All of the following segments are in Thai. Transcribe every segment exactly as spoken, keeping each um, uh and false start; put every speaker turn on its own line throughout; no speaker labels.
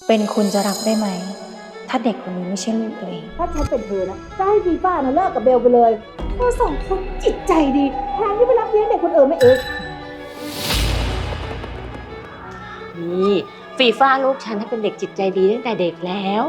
เป็นคุณจะรับได้ไหมถ้าเด็กคนนี้ไม่ใช่ลูกตัวเอง
ถ้าฉันเป็นเธอนะจะให้ฟีฟ่านะเลิกกับเบลไปเลยเธอสองคนจิตใจดีแทนที่ไปรับเลี้ยงเด็กคนอื่นไม่เอง
นี่ฟีฟ่าลูกฉันให้เป็นเด็กจิตใจดีตั้งแต่เด็กแล้ว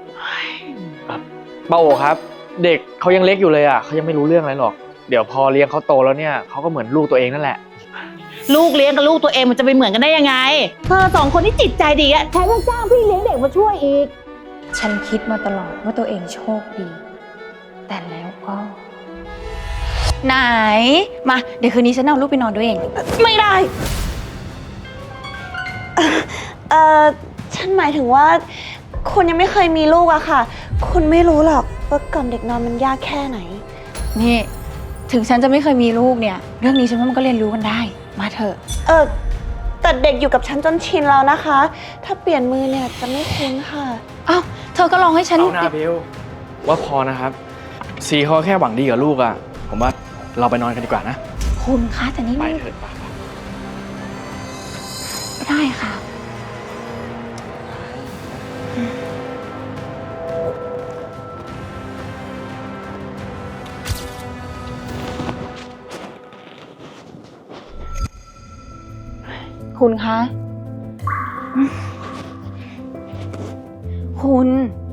ป้าโอครับเด็กเขายังเล็กอยู่เลยอ่ะเขายังไม่รู้เรื่องอะไรหรอกเดี๋ยวพอเลี้ยงเขาโตแล้วเนี่ยเขาก็เหมือนลูกตัวเองนั่นแหละ
ลูกเลี้ยงกับลูกตัวเองมันจะไปเหมือนกันได้ยังไงเธอสองคนที่จิตใจดีอะแถมยังจ้างพี่เลี้ยงเด็กมาช่วยอีก
ฉันคิดมาตลอดว่าตัวเองโชคดีแต่แล้วก็ไหนมาเดี๋ยวคืนนี้ฉันเอาลูกไปนอนด้วยเอง
ไม่ได้
เอ่อฉันหมายถึงว่าคุณยังไม่เคยมีลูกอะค่ะคุณไม่รู้หรอกว่ากล่อมเด็กนอนมันยากแค่ไหน
นี่ถึงฉันจะไม่เคยมีลูกเนี่ยเรื่องนี้ฉันว่ามันก็เรียนรู้กันได้มาเถอะ
เออแต่เด็กอยู่กับฉันจนชินแล้วนะคะถ้าเปลี่ยนมือเนี่ยจะไม่คุ้นค่ะ
อ้าวเธอก็ลองให้ฉัน
เอาหน้าเบลว่าพอนะครับซีเขาแค่หวังดีกับลูกอะผมว่าเราไปนอนกันดีกว่านะ
คุณคะแต่นี่
ไปเถิดไป
ไม่ได้ค่ะคุณคะคุณ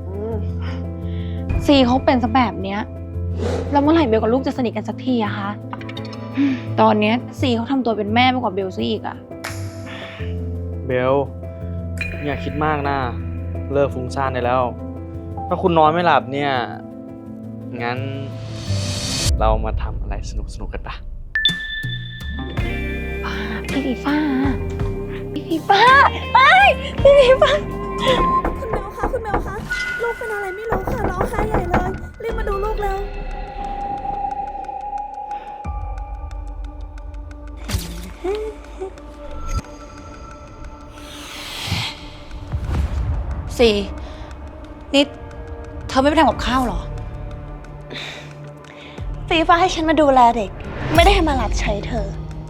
ซีเขาเป็นซะแบบเนี้ยแล้วเมื่อไหร่เบลกับลูกจะสนิทกันสักทีอะคะตอนเนี้ยซีเขาทำตัวเป็นแม่มากกว่าเบลซะอีกอะ
เบลอย่าคิดมากนะเลิกฟุ้งซ่านได้แล้วถ้าคุณนอนไม่หลับเนี่ยงั้นเรามาทำอะไรสนุกๆกันปะ
พี่ฟีฟ้าพี่ฟีฟ้าไปพี่ฟีฟ้า
คุณเมลคะคุณเมลคะลูกเป็นอะไรไม่รู้ค่ะร้องไห้ใหญ่เลยรีบมาดูลูกแล้ว
สี่นี่เธอไม่ไปทำกับข้าวหรอ
ฟีฟ้าให้ฉันมาดูแลเด็กไม่ได้ให้มารับใช้เธอ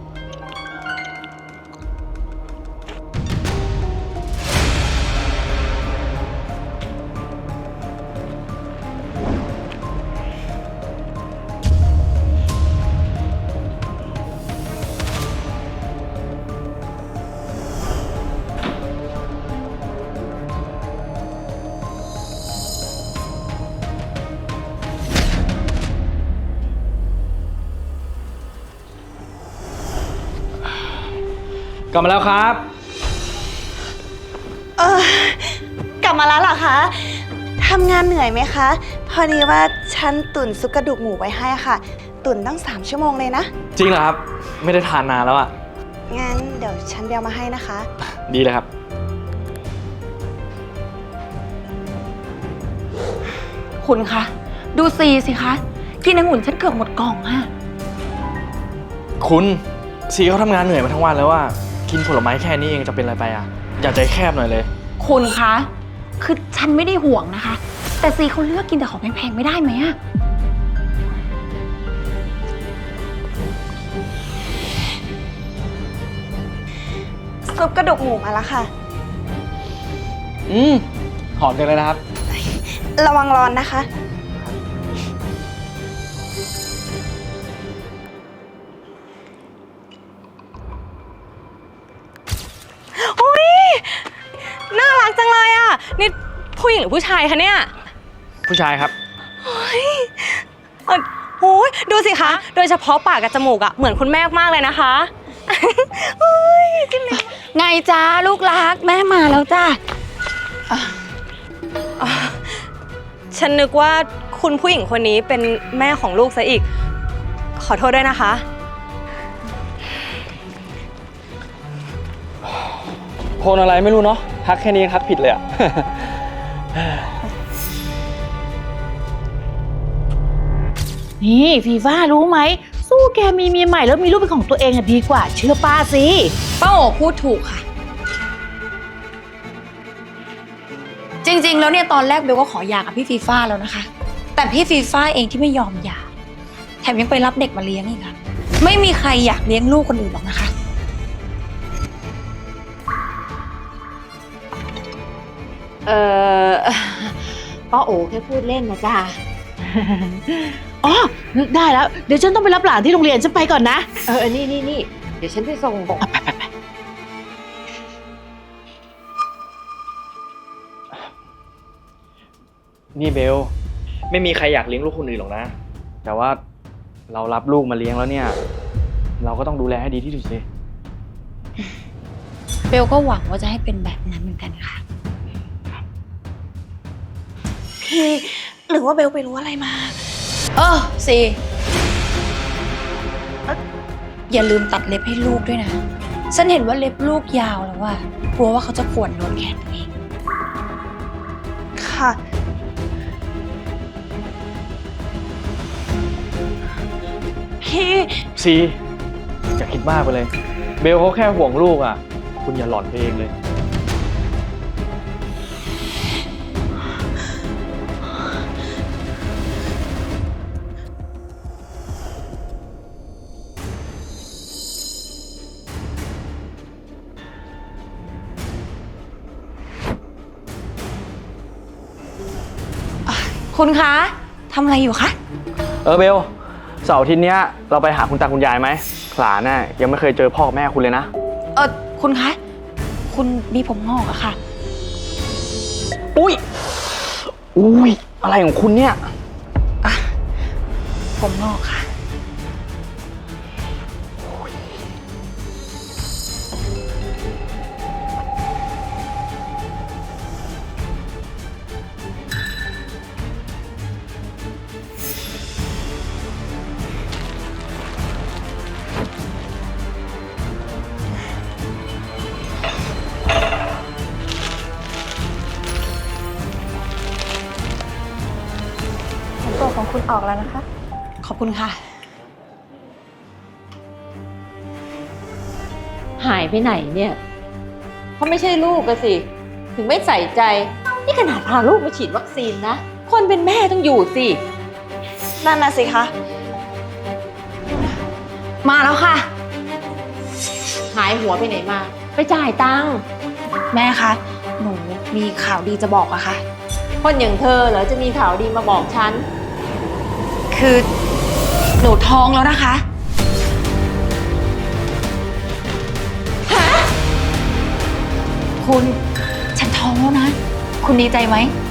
กลับมาแล้วครับ
เออกลับมาแล้วเหรอคะทำงานเหนื่อยไหมคะพอดีว่าฉันตุ๋นซุปกระดูกหมูไว้ให้ค่ะตุ๋นตั้งสามชั่วโมงเลยนะ
จริงเหรอครับไม่ได้ทานนานแล้วอ่ะ
งั้นเดี๋ยวฉันเบียวมาให้นะคะ
ดีเลยครับ
คุณคะดูซีสิคะกินองุ่นฉันเกือบหมดกล่องอะ
คุณซีเขาทำงานเหนื่อยมาทั้งวันแล้วว่ากินผลไม้แค่นี้เองจะเป็นอะไรไปอ่ะอย่าใจแคบหน่อยเลย
คุณคะคือฉันไม่ได้ห่วงนะคะแต่ซีเขาเลือกกินแต่ของแพงๆไม่ได้ไหมอะ
ซุปกระดูกหมูมาแล้วค่ะ
อืมหอมจังเลยนะครับ
ระวังร้อนนะคะอุ้ยน่ารักจังเลยอ่ะนี่ผู้หญิงหรือผู้ชายคะเนี่ย
ผู้ชายครับ
โอ้ยโอ้ยดูสิคะโดยเฉพาะปากกับจมูกอ่ะเหมือนคุณแม่มากเลยนะคะโอ้ยจริงเลย
ไงจ้าลูกรักแม่มาแล้วจ้า
ฉันนึกว่าคุณผู้หญิงคนนี้เป็นแม่ของลูกซะอีกขอโทษด้วยนะคะ
คนอะไรไม่รู้เนาะทักแค่นี้ทักผิดเลยอะ
นี่ฟีฟ่ารู้ไหมสู้แกมีเมียใหม่แล้วมีลูกเป็นของตัวเองอะดีกว่าเชื่อป้าสิ
ป้าโอพูดถูกค่ะจริงๆแล้วเนี่ยตอนแรกเบลก็ขอหย่ากับพี่ฟีฟ่าแล้วนะคะแต่พี่ฟีฟ่าเองที่ไม่ยอมหย่าแถมยังไปรับเด็กมาเลี้ยงอีกค่ะไม่มีใครอยากเลี้ยงลูกคนอื่นหรอกนะคะ
เออ ป้าโอแค่พูดเล่นนะจ๊ะ
อ๋อ นึกได้แล้ว เดี๋ยวฉันต้องไปรับหลานที่โรงเรียน ฉันไปก่อนนะ
เออ นี่นี่นี่เดี๋ยวฉันไปส่ง
นี่เบล ไม่มีใครอยากเลี้ยงลูกคนอื่นหรอกนะ แต่ว่าเรารับลูกมาเลี้ยงแล้วเนี่ย เราก็ต้องดูแลให้ดีที่สุดสิ
เบลก็หวังว่าจะให้เป็นแบบนั้นเหมือนกันค่ะ
พี่หรือว่าเบลไปรู้อะไรมา
เออสิอย่าลืมตัดเล็บให้ลูกด้วยนะ ฉันเห็นว่าเล็บลูกยาวแล้วว่ากลัวว่าเขาจะข่วนโดนแขนตัวเอง
ค่ะ พี่
ซีอย่าคิดมากไปเลย เบลเขาแค่ห่วงลูกอ่ะ คุณอย่าหลอนไปเองเลย
คุณคะทำอะไรอยู่คะ
เออเบล เสาร์อาทิตย์เนี้ยเราไปหาคุณตาคุณยายไหมหลานน่ะยังไม่เคยเจอพ่อกับแม่คุณเลยนะ
เออคุณคะ คุณมีผมงอกอะค่ะ
อุ้ย อุ้ย อะไรของคุณเนี่ย
ผมงอกค่ะ ผลตรวจของคุณออกแล้วนะคะ ขอบคุณค่ะ
หายไปไหนเนี่ยเขาไม่ใช่ลูกอะสิ ถึงไม่ใส่ใจ นี่ขนาดพาลูกมาฉีดวัคซีนนะ คนเป็นแม่ต้องอยู่สิ
นั่นน่ะสิคะ
มาแล้วค่ะ
หายหัวไปไหนมา ไปจ่ายตังค์
แม่คะ หนูมีข่าวดีจะบอกอะค่ะ
คนอย่างเธอเหรอจะมีข่าวดีมาบอกฉัน
คือหนูท้องแล้วนะคะ คุณ ฉันท้องแล้วนะ คุณดีใจไหม